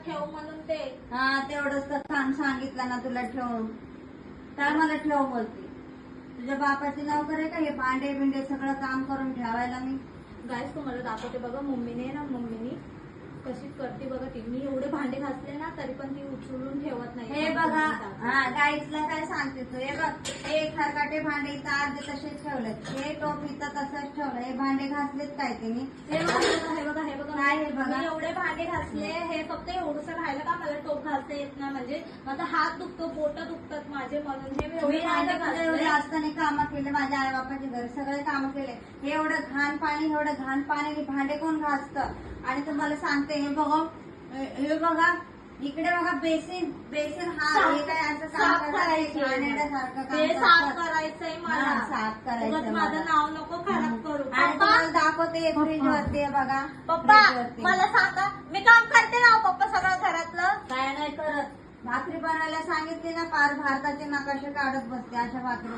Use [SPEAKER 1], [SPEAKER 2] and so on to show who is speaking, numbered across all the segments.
[SPEAKER 1] ठेव म्हणून ते.
[SPEAKER 2] हा तेवढंच तर सांगितलं ना तुला ठेव, काय मला ठेव बोलते. तुझ्या बापाची नोकर आहे का हे भांडे बिंडे सगळं काम करून ठेवायला मी?
[SPEAKER 1] गाईस तुम्हाला दाखवते बघा, मम्मीने कशी करते बघा ती. मी एवढे भांडे घासले ना तरी पण ती उचलून ठेवत नाही.
[SPEAKER 2] हे बघा, हा गाईसला काय सांगते तू. हे बघ, हे खरकाटे भांडे इथं अर्धे तसेच ठेवलेत, हे टोप इथं तसंच ठेवलं. हे भांडे घासलेत काय तिने?
[SPEAKER 1] हे बघा
[SPEAKER 2] काय हे बघा?
[SPEAKER 1] मी एवढे भांडे घासले, हे फक्त एवढंच राहिलं का मला टोप घालता येत ना, म्हणजे माझा हात दुखतो, बोट दुखतात माझे म्हणून हे एवढे भांडे घासले.
[SPEAKER 2] एवढे असताना कामं केले, माझ्या आई बापाच्या घरी सगळे कामं केले. हे एवढं घाण पाणी भांडे कोण घासतं? आणि तुम्हाला सांगते, हे बघा इकडे बघा, बेसिन हा हे काय असं
[SPEAKER 1] साफ करायचंय मला,
[SPEAKER 2] साफ करायचं.
[SPEAKER 1] माझं नाव नको खराब करू.
[SPEAKER 2] आणि तुम्हाला दाखवते फ्रीज वरती बघा.
[SPEAKER 1] पप्पा मला सांगा, मी काम करते ना पप्पा सगळं घरातलं?
[SPEAKER 2] काय नाही करत. भाकरी बनवायला सांगितली ना, पार भारताचे नकाशे काढत बसते अशा भाकरी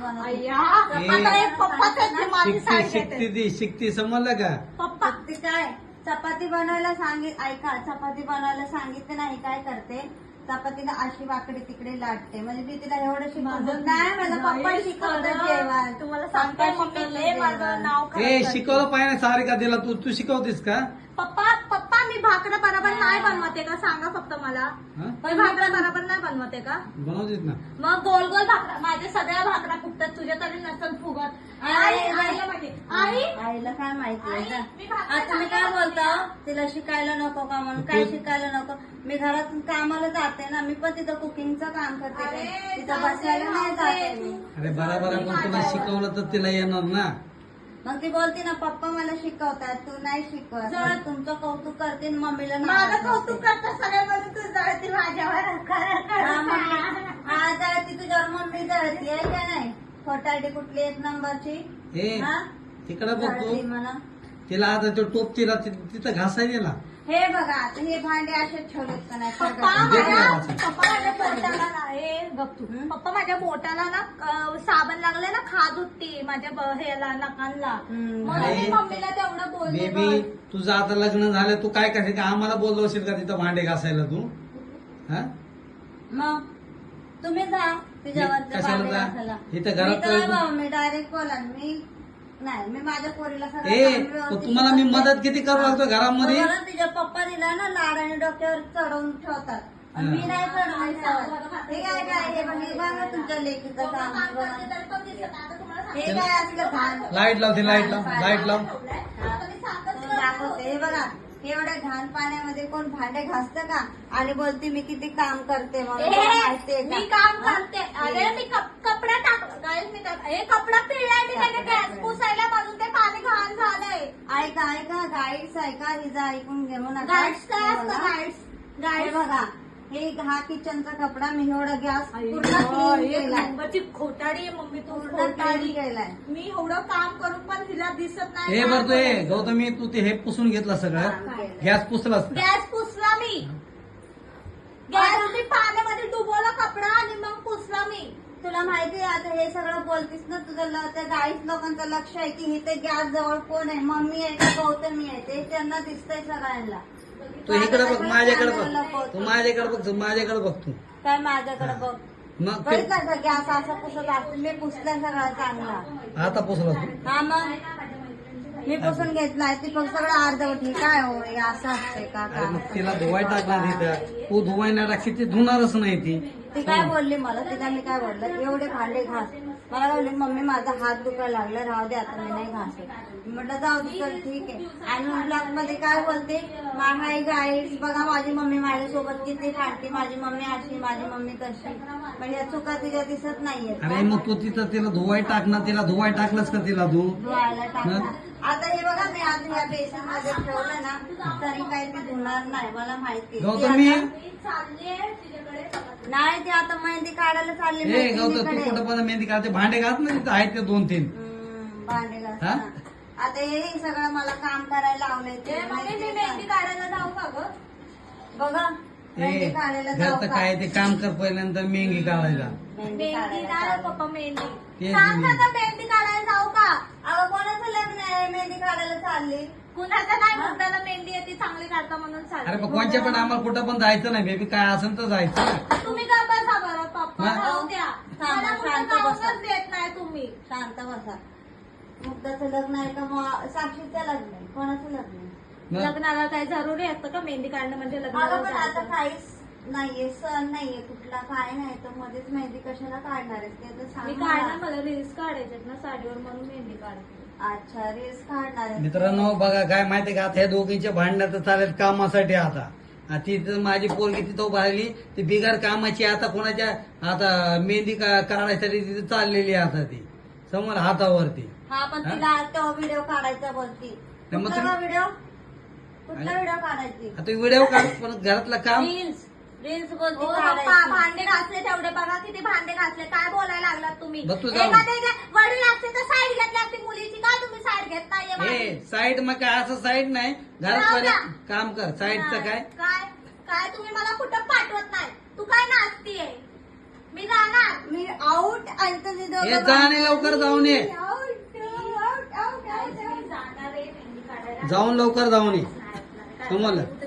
[SPEAKER 3] शिकती शिकती समजलं का?
[SPEAKER 1] पप्पा
[SPEAKER 2] ती काय चपाती बनवायला ऐका, चपाती बनवायला सांगितले नाही, काय करते चपातीला अशी वाकडी तिकडे लाटते. म्हणजे मी तिला एवढं शिकवलं नाही, मला पप्पा शिकवतात जेवण.
[SPEAKER 1] तुम्हाला सांगते मम्मी माझं नाव
[SPEAKER 3] हे शिकवलं पाहिजे सारिका दिला, तू शिकवतेस का?
[SPEAKER 1] पप्पा मी भाकऱ्या बरोबर नाही बनवते का? सांगा फक्त मला. मी भाकऱ्या बरोबर नाही बनवते का?
[SPEAKER 3] बनवतेस ना.
[SPEAKER 1] मग गोल गोल भाकऱ्या, माझ्या सगळ्या भाकऱ्या फुगतात, तुझ्या तरी नसल फुगत.
[SPEAKER 2] आईला काय माहिती. आता मी काय बोलतो, तिला शिकायला नको का म्हणून? काय शिकायला नको? मी घरातून कामाला जाते ना, मी पण तिथं कुकिंगचं काम करते, तिथं बसायला नाही जाते मी.
[SPEAKER 3] अरे बरोबर आहे, पण तुला शिकवलं तर तिला येणार ना.
[SPEAKER 2] मग ती बोलते ना, पप्पा मला शिकवतात, तू नाही शिकवत.
[SPEAKER 1] जर
[SPEAKER 2] तुमचं कौतुक करते मम्मीला
[SPEAKER 1] माझं कौतुक करता सगळ्या म्हणून तू जळती माझ्यावर.
[SPEAKER 2] हा जळती तुझ्यावर, मम्मी जळती आहे का नाही? खोटारडी कुठली एक नंबरची.
[SPEAKER 3] हे तिकडे बघतो
[SPEAKER 2] जळती म्हणा.
[SPEAKER 3] तिला आता तो टोप तिला तिथं घासायला ना.
[SPEAKER 2] हे बघा, आता हे भांडे असेच ठेवलेत का नाही?
[SPEAKER 1] पप्पा माझ्या बोटाला ना साबण लागले ना, खाज उठते माझ्या ह्याला नकांना, म्हणून मी मम्मीला तेवढं बोलले.
[SPEAKER 3] बेबी तुझं आता लग्न झालं, तू काय करायचं का? आम्हाला बोललो असेल का तिथं भांडे घासायला तू? हा
[SPEAKER 2] मग तुम्ही जा
[SPEAKER 3] कशाला जा? इथं घरात
[SPEAKER 2] मी डायरेक्ट बोला. मी माझ्या पोरीला
[SPEAKER 3] तुम्हाला मी मदत किती करू लागतो घरामध्ये?
[SPEAKER 2] तिच्या पप्पा दिला ना लाड आणि डोक्यावर चढवून ठेवतात, मी नाही चढवायचं. हे काय हे बघा तुमच्या लेकीचं काम. हे काय असलं घाण
[SPEAKER 3] लाईट लावते, लाईट लाव.
[SPEAKER 2] दाखवते. हे बघा, एवढ्या घाण पाण्यामध्ये कोण भांडे घासतं का? आणि बोलते मी किती काम करते,
[SPEAKER 1] मी काम करते. अरे मी कपडा हे कपडा पिळलाय मी, त्याने गॅस पुसायला म्हणून ते पाणी घाण झालंय.
[SPEAKER 2] ऐका गाईड्स ऐका, हिजा ऐकून घेऊ नका.
[SPEAKER 1] गाईड्स काय असतं?
[SPEAKER 2] गाईड बघा, हे हा किचनचा कपडा मी एवढा गॅस पूर्ण क्लीन केलाय.
[SPEAKER 1] खोटाडी मम्मी, तू
[SPEAKER 2] पूर्ण
[SPEAKER 1] खोटाडी.
[SPEAKER 2] क्लीन केलाय.
[SPEAKER 1] मी एवढं काम करून पण हिला दिसत नाही.
[SPEAKER 3] हे भरतो हे गौतमी, तू ते हे पुसून घेतलं सगळं, गॅस पुसलास का?
[SPEAKER 1] गॅस पुसला मी, गॅस मी पाण्यामध्ये डुबवला कपडा आणि मग पुसला मी.
[SPEAKER 2] तुला माहिती आहे, आता हे सगळं बोलतीस ना, तुझं त्या गाईस लोकांचं लक्ष आहे की इथे गॅस जवळ कोण आहे, मम्मी आहे का गौतमी आहे, ते त्यांना दिसतंय सगळ्यांना.
[SPEAKER 3] तू इकडे बघ, माझ्याकडे बघ, तू माझ्याकडे बघ तू
[SPEAKER 2] काय माझ्याकडे बघ.
[SPEAKER 3] मग
[SPEAKER 2] बघितलं गॅस असं पुसत असतो, मी पुसला सगळा चांगला.
[SPEAKER 3] आता पुसला तू?
[SPEAKER 2] हा मग मी पुसून घेतलाय, ती फक्त सगळं अर्धवट. हे काय हो, हे असं असतंय का?
[SPEAKER 3] अरे मग तिला धुवाय टाकणार तिथं, तू धुवाय नाही टाकशी ती धुणारच नाही
[SPEAKER 2] ती काय बोलली मला, तिला मी काय बोललं, एवढे भांडे घास. मला बोलली मम्मी माझा हात दुखायला लागला, राहू दे आता मी नाही घासत. म्हटलं जाऊ दे, चल ठीक आहे. आणि ब्लॉग मध्ये काय बोलते, हाय गाईस बघा माझी मम्मी माझ्यासोबत किती भांडते, माझी मम्मी अशी, माझी मम्मी तशी. म्हणजे या चुका तिच्या दिसत नाहीये.
[SPEAKER 3] अरे मग तू तिथं तिला धुवाय टाकणार, तिला धुवाय टाकलंस का? तिला
[SPEAKER 2] धुवायला टाकणार. आता हे बघा, मी आज ह्या बेसन मध्ये ठेवलं ना, तरी काही ती धुणार नाही, मला माहिती.
[SPEAKER 3] गौतमी
[SPEAKER 2] नाही, ती आता मेहंदी काढायला चालली.
[SPEAKER 3] गौतम तू कुठं पण मेहंदी काढते, भांडे घास ना तिथं आहेत ते 2-3
[SPEAKER 2] भांडे घासणार. आता हे सगळं मला काम करायला लावलंय.
[SPEAKER 1] मी मेहंदी काढायला जाऊ का ग?
[SPEAKER 2] बघा मेहंदी काढायला जाऊ
[SPEAKER 3] घरचं
[SPEAKER 2] का?
[SPEAKER 3] काय ते काम कर पहिल्यानंतर मेहंदी काढायला.
[SPEAKER 2] मेहंदी
[SPEAKER 1] मेहंदी
[SPEAKER 2] काढायला
[SPEAKER 1] नाही
[SPEAKER 2] चालली.
[SPEAKER 1] पप्पा, मेहंदी
[SPEAKER 3] तेच
[SPEAKER 1] सांग
[SPEAKER 3] मी.
[SPEAKER 1] आता, मेहंदी काढायला जाऊ का?
[SPEAKER 2] अगं कोणाचं लग्न आहे, मेहंदी काढायला चालली?
[SPEAKER 1] कुणाचं नाही मुद्दाला मेहंदी येते चांगली काढता म्हणून
[SPEAKER 3] अरे
[SPEAKER 1] चालते.
[SPEAKER 3] पण कोणच्या पण आम्हाला कुठं पण जायचं नाही बेबी, काय असेल तर जायचं ना.
[SPEAKER 1] तुम्ही का बसा बरं पप्पा,
[SPEAKER 3] हा?
[SPEAKER 1] राहू द्या. मला कुठं
[SPEAKER 2] शांत
[SPEAKER 1] जाऊनच
[SPEAKER 2] बसा.
[SPEAKER 1] देत नाही तुम्ही.
[SPEAKER 2] शांत बसा. मुक्ताचं लग्न आहे का मग साक्षीचं लग्न आहे, कोणाचं लग्न आहे?
[SPEAKER 3] मग
[SPEAKER 1] लग्नाला काय जरुरी असतं का मेहंदी काढणं म्हणजे
[SPEAKER 2] अगं
[SPEAKER 1] लग्नाला
[SPEAKER 2] पण आता
[SPEAKER 1] जायचं?
[SPEAKER 2] काहीच नाहीये, सण नाहीये कुठला, काय नाही तर मध्येच मेहंदी कशाला काढणार आहेस ते तर
[SPEAKER 1] मी
[SPEAKER 2] सांग
[SPEAKER 1] काढणार,
[SPEAKER 2] मला.
[SPEAKER 1] मला रील्स काढायचे ना साडीवर म्हणून मेहंदी काढते.
[SPEAKER 2] अच्छा, रील्स काढणार आहेस.
[SPEAKER 3] मित्रांनो बघा काय माहितीये का, आता ह्या दोघींच्या भांडण्यात चालेल कामासाठी. आता ती तर माझी पोरगी तिथं उभा राहिली, ती बिगर कामाची आता कोणाच्या आता मेहंदी काढायसाठी तिथे चाललेली आहे आता ती समोर हातावरती.
[SPEAKER 2] हा पण
[SPEAKER 3] हा?
[SPEAKER 2] तिला तो व्हिडिओ काढायचा बोलती.
[SPEAKER 3] तर मग
[SPEAKER 2] कुठला
[SPEAKER 3] तुम्ही-
[SPEAKER 2] व्हिडिओ? कुठला व्हिडिओ काढायची?
[SPEAKER 3] आता व्हिडिओ काढ, पण घरातलं काम.
[SPEAKER 2] रील्स रील्स बोलती
[SPEAKER 1] ओ पप्पा,
[SPEAKER 2] काढायची.
[SPEAKER 1] भांडे घासले तेवढे बघा, किती भांडे घासले. काय बोलायला लागलात तुम्ही?
[SPEAKER 3] बघ तू जाऊन.
[SPEAKER 1] एखादे वडील असते तर साईड घेतली असती मुलीची, का तुम्ही साईड घेत नाहीये माझी?
[SPEAKER 3] हे साईड मग काय असं साईड नाही, घरात
[SPEAKER 1] जाऊ
[SPEAKER 3] पहिले
[SPEAKER 1] द्या.
[SPEAKER 3] काम कर. साईडचं काय
[SPEAKER 1] काय काय तुम्ही मला कुठं पाठवत नाही. तू काय नाचतीये? मी जाणार.
[SPEAKER 2] मी आउट आणि तुम्ही दोघं
[SPEAKER 3] हे जा आणि लवकर जाऊन ये.
[SPEAKER 2] आउट, आउट, आउट, आउट,
[SPEAKER 1] मी जाणार आहे मेहंदी काढायला.
[SPEAKER 3] जाऊन लवकर जाऊन ये.
[SPEAKER 1] नाही, नाही, काय
[SPEAKER 3] समजलं?
[SPEAKER 1] करू